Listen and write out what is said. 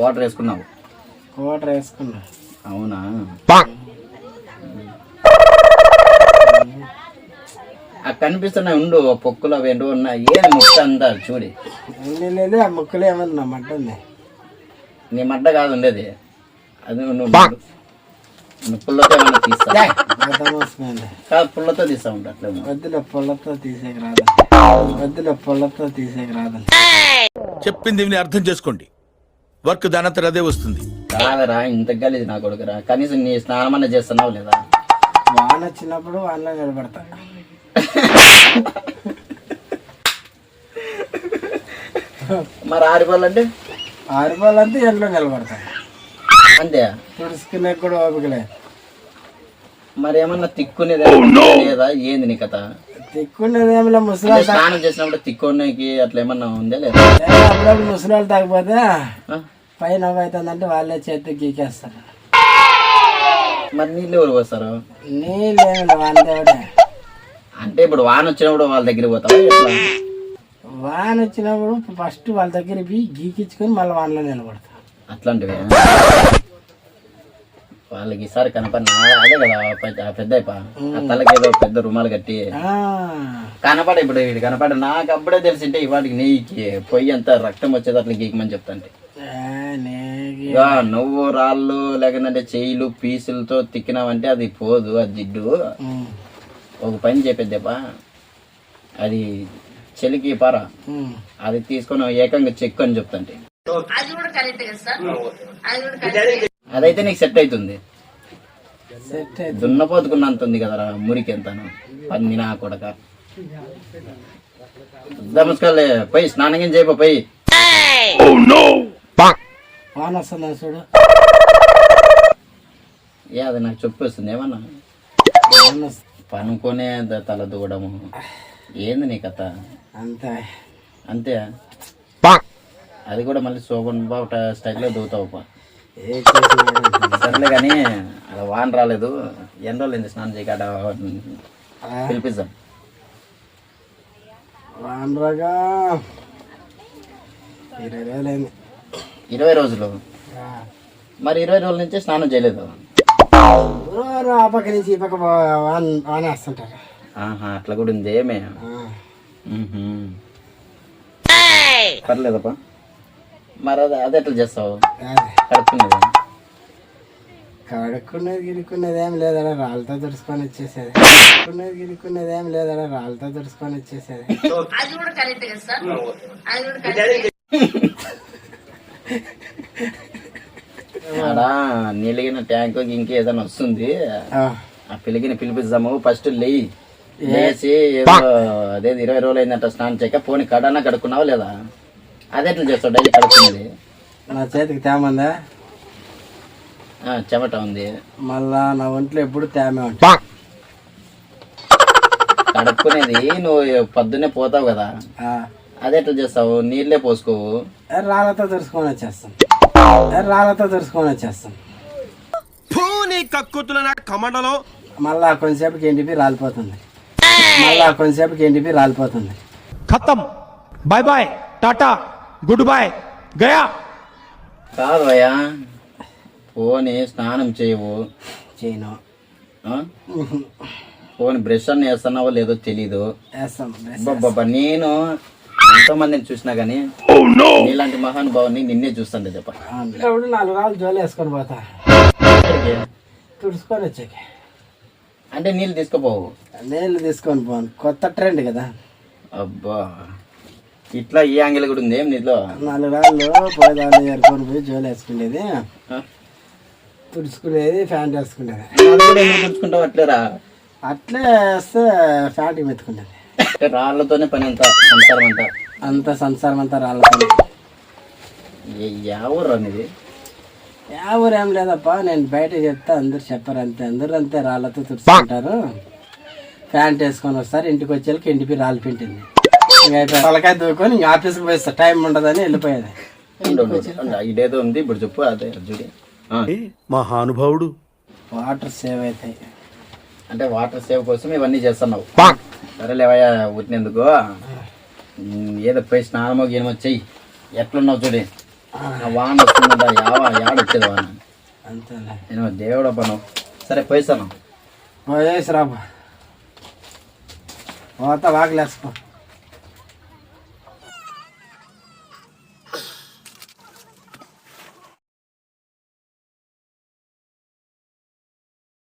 Quarter వేసుకున్నావు? Quarter వేసుకున్నా. అవునా? కనిపిస్తున్నాయి ఉండు పొక్కులు అవి ఏంటో ఉన్నాయి. ఏం ముక్క అంతా చూడి లేదు, ఆ ముక్కలు ఏమన్నా నా మడ్డ ఉంది. నీ మడ్డ కాదు ఉండేది అది. నువ్వు పుల్లతో ఏమన్నా తీస్తా కాదు, పుల్లతో తీస్తా ఉంటా. అట్లా వద్దులే, పుల్లతో తీసేకి రాదు. వద్దులే, పుల్లతో తీసేకి రాదు. చెప్పింది విని అర్థం చేసుకోండి. వర్క్ దానంతర అదే వస్తుంది. కాదరా, ఇంత గలీజ్ నా కొడుకురా. కనీసం నీ స్నానం అన్నా చేస్తున్నావు లేదా? వాన వచ్చినప్పుడు వానలో నిలబడతా. మరి ఆరిపోవాలంటే? ఆరిపోవాలంటే ఎండలో నిలబడతా అంతే. తుడుచుకునే కూడా ఓపికలే. మరి ఏమన్నా తిక్కునేది లేదా ఏంది నీ కథ? తిక్కునేది ఏమిలే, ముసలాలు స్నానం చేసినప్పుడు తిక్కునేకి అట్లా ఏమన్నా ఉందా లేదా? అప్పుడప్పుడు ముసలాలు తాగిపోతే పైన అవుతుందంటే వాళ్ళే చేతికి గీకేస్తారు. మరి నీళ్ళు ఎవరు పోస్తారు? నీళ్ళు ఏమి వానదేవుడే. అంటే ఇప్పుడు వాన వచ్చినప్పుడు వాళ్ళ దగ్గరికి పోతావా ఎట్లా? వాన వచ్చినప్పుడు ఫస్ట్ వాళ్ళ దగ్గర పోయి గీకించుకొని మళ్ళీ వానలో నిలబడతా. అట్లాంటివి వాళ్ళకి ఈసారి కనపడిన అదే కదా పెద్ద ఆ తలకి ఏదో పెద్ద రుమాలు కట్టి కనపడ. ఇప్పుడు వీడు కనపడ. నాకు అప్పుడే తెలిసింటే ఇవాటికి నీకి పొయ్యి అంతా రక్తం వచ్చేది అట్లా గీకమని చెప్తాంటే. నువ్వు రాళ్ళు లేకుంటే చెయ్యిలు పీసులతో తిక్కినావంటే అది పోదు, అది జిడ్డు. ఒక పని చెప్పేద్దేపా, అది చెలికి పారా, అది తీసుకొని ఏకంగా చెక్కు అని చెప్తాంటే అదైతే నీకు సెట్ అవుతుంది. దున్నపోతుకున్నంత ఉంది కదరా మురికి ఎంతను పని నా కొడక. నమస్కారం పోయి స్నానం ఏం చేయబో పోయి. వాన వస్తుందా చూడు. ఏ అది నాకు చెప్పు వస్తుంది ఏమన్నా పనుకొనే తల దూడము ఏంది నీ కథ? అంతే అంతే. అది కూడా మళ్ళీ శోభన్ బాబు స్టైల్లో దూతావు. సర్లే కానీ అలా వాన రాలేదు. ఎన్ని రోజులు స్నానం చేయక పిలిపిద్దాం. వాన రాగా 20 రోజులైంది. 20 రోజులు? మరి 20 రోజుల నుంచి స్నానం చేయలేదు? ఆ పక్క నుంచి ఈ పక్క వాన వేస్తుంటారు. అట్లా కూడా ఉంది ఏమే? పర్లేదప్పా. మరి అది ఎట్లా చేస్తావు? కడుక్కునేది గిడుక్కునేది ఏం లేదడా, రాళ్ళతో తుడుచుకొని వచ్చేసేది. గిడుక్కునేది ఏం లేదడా, రాళ్ళతో తుడుచుకొని వచ్చేసేది. ఆడ నీళ్ళగిన ట్యాంక్ ఇంకేదైనా వస్తుంది, ఆ పిలిగిన పిలిపిద్దాము. ఫస్ట్ లేచి ఏదో అదే 20 రోజులు అయిందంట స్నానం చేయక. పోనీ కడన్నా కడుక్కున్నావా లేదా? అదే ఎట్లా చేస్తావు డైలీ కడుక్కునేది? నా చేతికి తేమందా? చెమట ఉంది. మళ్ళా నా ఒంట్లో ఎప్పుడు తేమే ఉంటా. కడుక్కునేది నువ్వు పొద్దున్నే పోతావు కదా, అదే ఎట్లా చేస్తావు? నీళ్ళే పోసుకోవు? రాళ్ళతో తుడుచుకొని వచ్చేస్తాం. రాళ్ళతో తుడుచుకొని వచ్చేస్తాం. మళ్ళా కొంచెంసేపుకి ఎండిపి రాలిపోతుంది. ఖతం, bye bye, tata, good bye, గయా. కాదు భయ్యా, పోనీ స్నానం చేయవు? చేయను. పోనీ బ్రష్ అన్న వేస్తున్నావో లేదో తెలీదు. వేస్తాం. నేను ఎంతో మందిని చూసినా గానీ నీలాంటి మహానుభావుని నిన్నే చూస్తాను. చెప్ప 4 రాళ్ళు జోలు వేసుకొని పోతా తుడుచుకొని వచ్చాక. అంటే నీళ్ళు తీసుకుపోవు? నీళ్ళు తీసుకొని పోను, కొత్త ట్రెండ్ కదా. అబ్బా, ఇట్లా ఈ యాంగిల్ కూడా ఉంది ఏం నీలో? 4 రాళ్ళు పోయేదాన్ని ఏరుకొని పోయి జోలు వేసుకునేది, తుడుచుకునేది, ఫ్యాంట్ వేసుకునేది. తుడుచుకుంటావు అట్లేరా? అట్లే వేస్తే ఫ్యాంట్ మెత్తుకునేది. రాళ్లతోనే పని అంతా సంసారం అంతా రాళ్ళతో. ఎవరు అనేది? ఎవరు ఏం లేదప్పా, నేను బయట చెప్తే అందరు చెప్పారు అంతే. అందరూ అంతే రాళ్ళతో తుడుచుకుంటారు, ఫ్యాంట్ వేసుకొని వస్తారు. ఇంటికి వచ్చేళ్ళకి ఇంటికి రాళ్ళు పింటింది, ఇంకా తలకాయ దూకొని ఇంకా ఆఫీస్కి పోయిస్తా. టైం ఉండదని వెళ్ళిపోయేది. ఇదేదో ఉంది ఇప్పుడు చెప్పు. అదే చూడి మహానుభావుడు. వాటర్ సేవ్ అవుతాయి అంటే వాటర్ సేవ్ కోసం ఇవన్నీ చేస్తున్నావు. సరేలేవయ్యా, ఉట్టినందుకు ఏదో పోయి స్నానమో గీనమో చెయ్యి. ఎట్లున్నావు చూడి. ఆ వాన వస్తుందంట యాడొచ్చేది వాన. అంతేలే. నేను దేవుడు పను. సరే పోయిస్తాను. పోయేసి రాబా. పోతా వాకిలేసుకో.